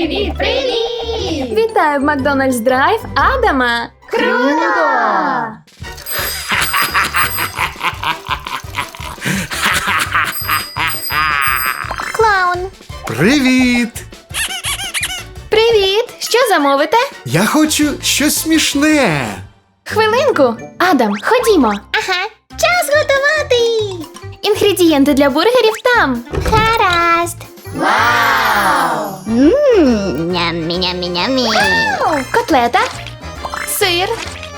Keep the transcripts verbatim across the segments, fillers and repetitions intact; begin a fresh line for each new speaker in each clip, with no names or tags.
Привіт, привіт!
Вітаю в Макдональдс Драйв Адама!
Круто!
Клаун.
Привіт!
Привіт! Що замовите?
Я хочу щось смішне.
Хвилинку! Адам, ходімо!
Ага. Час готувати.
Інгредієнти для бургерів там!
Гаразд.
Вау!
Ммм, нямі-нямі-нямі.
Котлета, сир,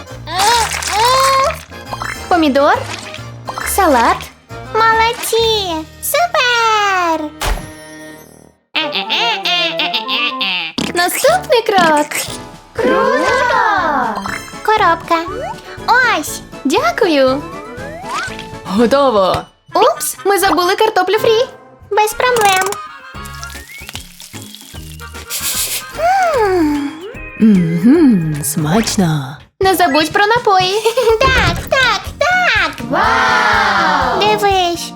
помідор, салат.
Молодці. Супер.
Наступний крок!
Круто!
Коробка. Ось.
Дякую! Готово! Упс, ми забули картоплю фрі!
Без проблем.
Ммм, смачно! Не забудь про напої!
Так, так, так.
Вау!
Дивись.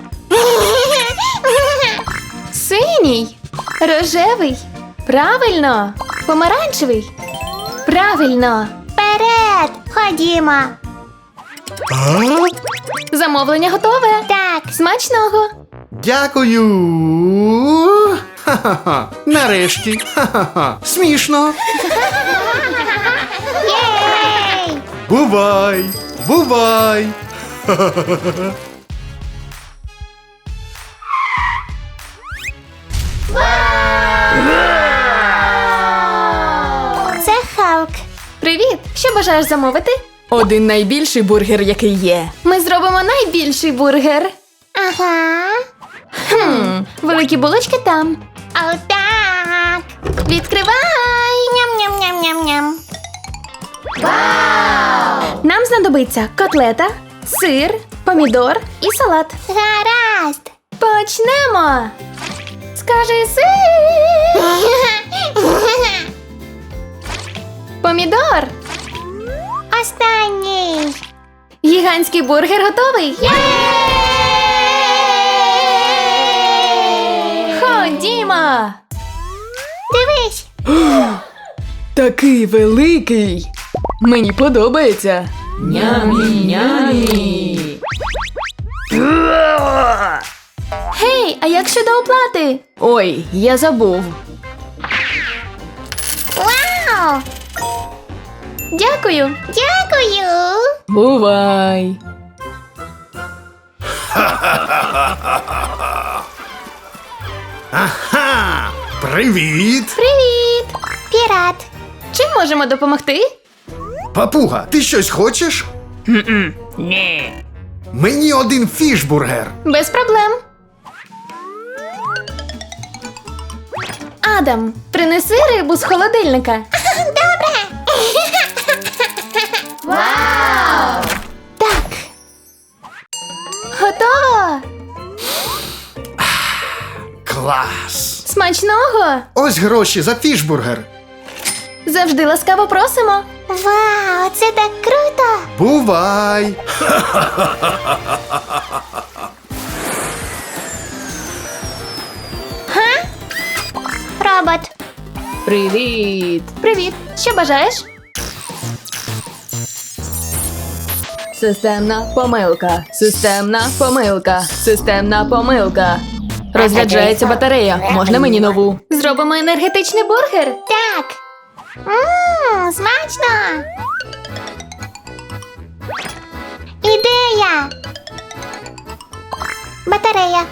Синій, рожевий, правильно, помаранчевий, правильно.
Вперед. Ходімо.
А?
Замовлення готове.
Так.
Смачного.
Дякую. Ха-ха-ха. Нарешті. Ха-ха-ха. Смішно.
Єй!
Бувай. Бувай.
Це Халк.
Привіт! Що бажаєш замовити? Один найбільший бургер, який є. Ми зробимо найбільший бургер.
Ага.
Хм, великі булочки там.
Отак.
Відкривай!
Ням-ням-ням-ням-ням.
Вау!
Нам знадобиться котлета, сир, помідор і салат.
Гаразд.
Почнемо! Скажи сир! Помідор!
Останній.
Гігантський бургер готовий! Ходімо!
Дивись.
Такий великий! Мені подобається! Нямі-нямі! Гей, а як щодо оплати? Ой, я забув.
Вау.
Дякую!
Дякую.
Бувай!
Ага. Привіт.
Привіт!
Пірат.
Чим можемо допомогти?
Папуга, ти щось хочеш?
Ні.
Мені один фішбургер.
Без проблем. Адам, принеси рибу з холодильника.
Добре.
Вау!
Так. Готово!
Клас.
Смачного!
Ось гроші за фішбургер.
Завжди ласкаво просимо.
Вау, це так круто.
Бувай.
Робот.
Привіт! Привіт! Що бажаєш? Системна помилка. Системна помилка. Системна помилка. Розряджається батарея. Можна мені нову? Зробимо енергетичний бургер.
Так. Ммм, смачно. Ідея. Батарея.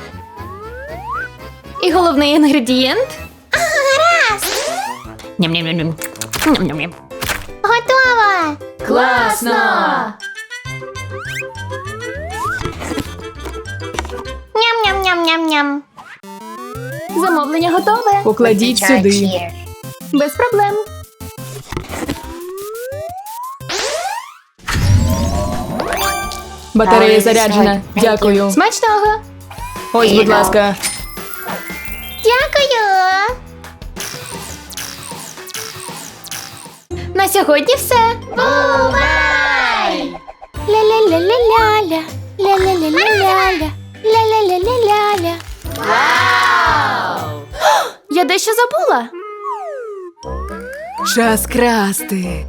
І головний інгредієнт.
Гаразд.
Ням-ням-ням. Ням-ням-ням.
Готово.
Класно!
Ням-ням-ням-ням-ням.
Замовлення готове. Покладіть сюди. Без проблем.
Батарея заряджена. Дякую.
Смачного!
Ось, будь ласка.
Дякую.
На сьогодні все.
Бувай.
Ля-ля-ля-ля-ля-ля. Ля-ля-ля-ля-ля-ля. Ля-ля-ля-ля-ля-ля.
Вау!
Я дещо забула. Час красти.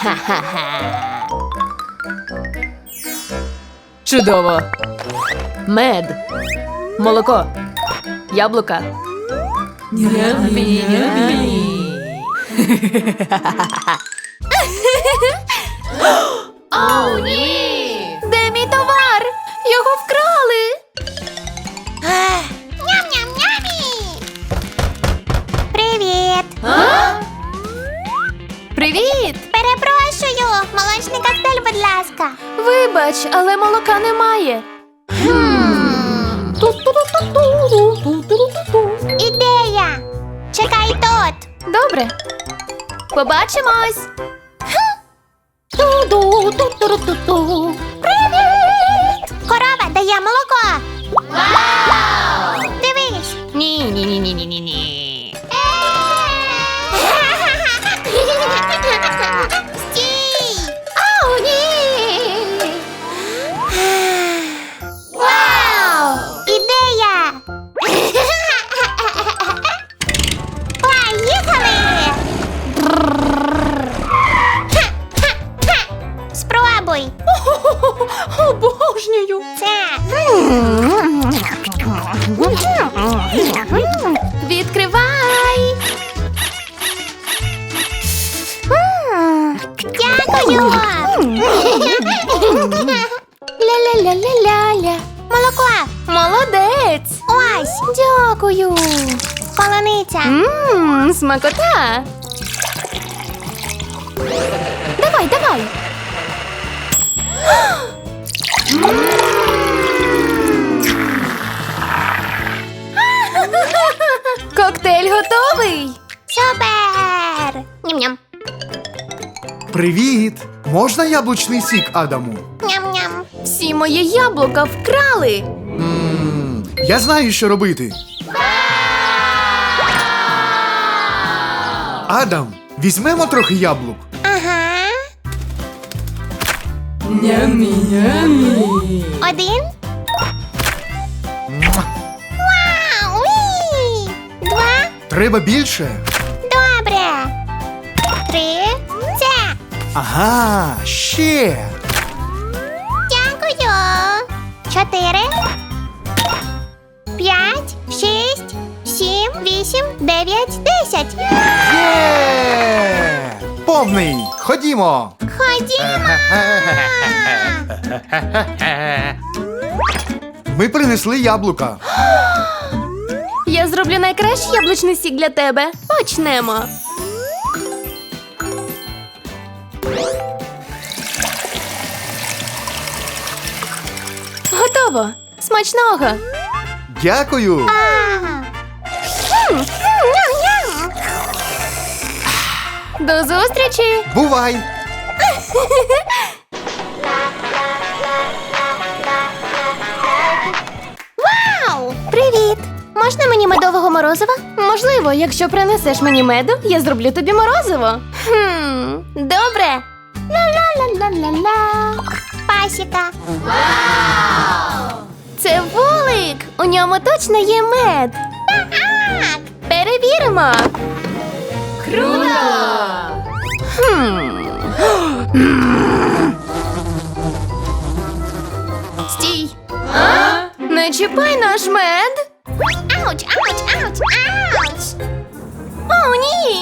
Чудово. Мед. Молоко. Яблука.
О, ні!
Де мій товар? Його вкрали.
Ням-ням-нямі! Привіт!
Привіт!
Перепрошую! Молочний коктейль, будь ласка.
Вибач, але молока немає.
Ідея! Чекай тут!
Добре. Побачимось.
Привіт! Корова дає молоко!
Вау!
Дивись!
Ні, ні, ні, ні, ні, ні, ні.
Стій! О, ні! Вау! Ідея! Поїхали! Спробуй!
Обожнюю.
Це!
Відкривай.
Дякую! Ля-ля-ля-ля-ля-ля. Молоко!
Молодець.
Ось!
Дякую.
Полуниця!
Ммм, смакота. Давай, давай. Коктейль готовий.
Супер! Ням-ням!
Привіт! Можна яблучний сік, Адаму?
Ням-ням!
Всі мої яблука вкрали.
М, Я знаю, що робити. Адам, візьмемо трохи яблук.
Ага! Один. Вау! Уі! Два.
Треба більше.
Добре. Три. Це.
Ага, ще.
Дякую. Чотири. П'ять. Шість. Сім. Вісім. Дев'ять. Десять.
Є! Повний. Ходімо.
Ходімо.
Ми принесли яблука.
Я зроблю найкращий яблучний сік для тебе. Почнемо. Готово. Смачного.
Дякую.
Ага. М, ням-ням.
До зустрічі.
Бувай.
Вау! Привіт! Можна мені медового морозива?
Можливо, якщо принесеш мені меду, я зроблю тобі морозиво. Хм, добре.
Ла-ла-ла-ла-ла-ла. Пасіка.
Це вулик. У ньому точно є мед.
Так.
Перевіримо. Круто! Хм. Стій. Не чіпай наш мед.
Ауч, ауч, ауч, ауч.
О, ні.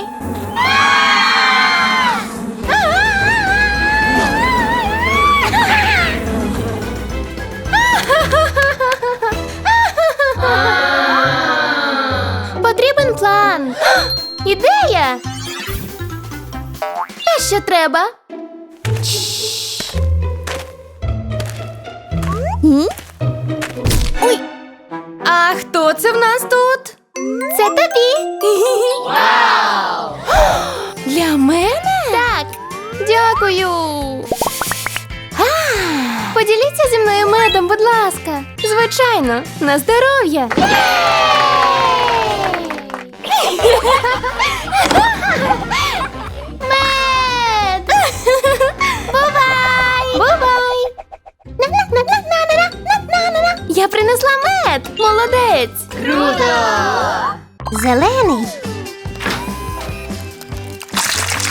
Потрібен план. Ідея. Те, що треба. Ой. А хто це в нас тут?
Це тобі.
Вау! Для мене?
Так.
Дякую. Поділіться зі мною медом, будь ласка. Звичайно, на здоров'я.
Мед. Бувай.
Бувай!
На-на-на-на-на-на-на-на-на.
Я принесла мед! Молодець!
Зелений.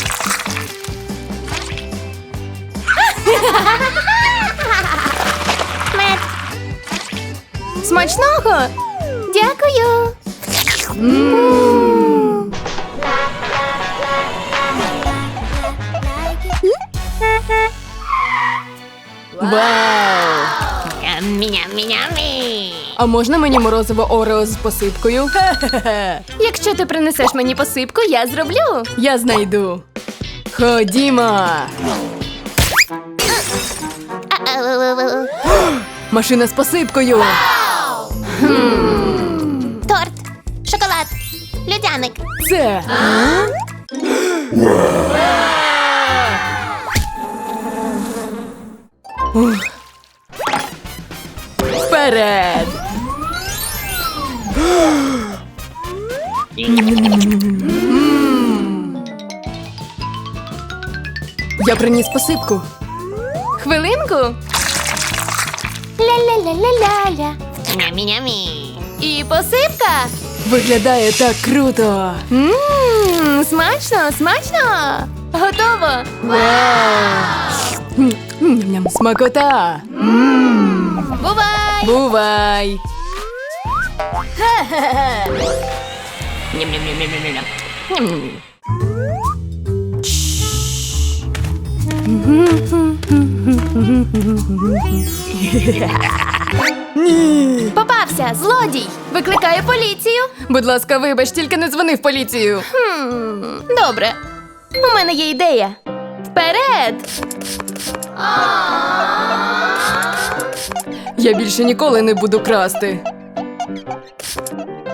Смачного!
Дякую.
Вау!
Ням-ням-ням-ням.
А можна мені морозиво Орео з посипкою? Якщо ти принесеш мені посипку, я зроблю. Я знайду. Ходімо.
Ау.
Машина з посипкою.
Торт, шоколад, льодяник.
Це. Ух. Вперед! Я приніс посипку. Хвилинку.
Ля-ля-ля-ля-ля-ля.
Нямі-нямі.
І посипка. Виглядає так круто. Ммм, смачно, смачно. Готово. Вау. Ням-ням, смакота. Ммм.
Бувай!
Бувай.
Ням-ням-ням-ням-ням.
Попався, злодій. Викликає поліцію. Будь ласка, вибач, тільки не дзвони в поліцію. Хм, добре. У мене є ідея. Вперед! Я більше ніколи не буду красти.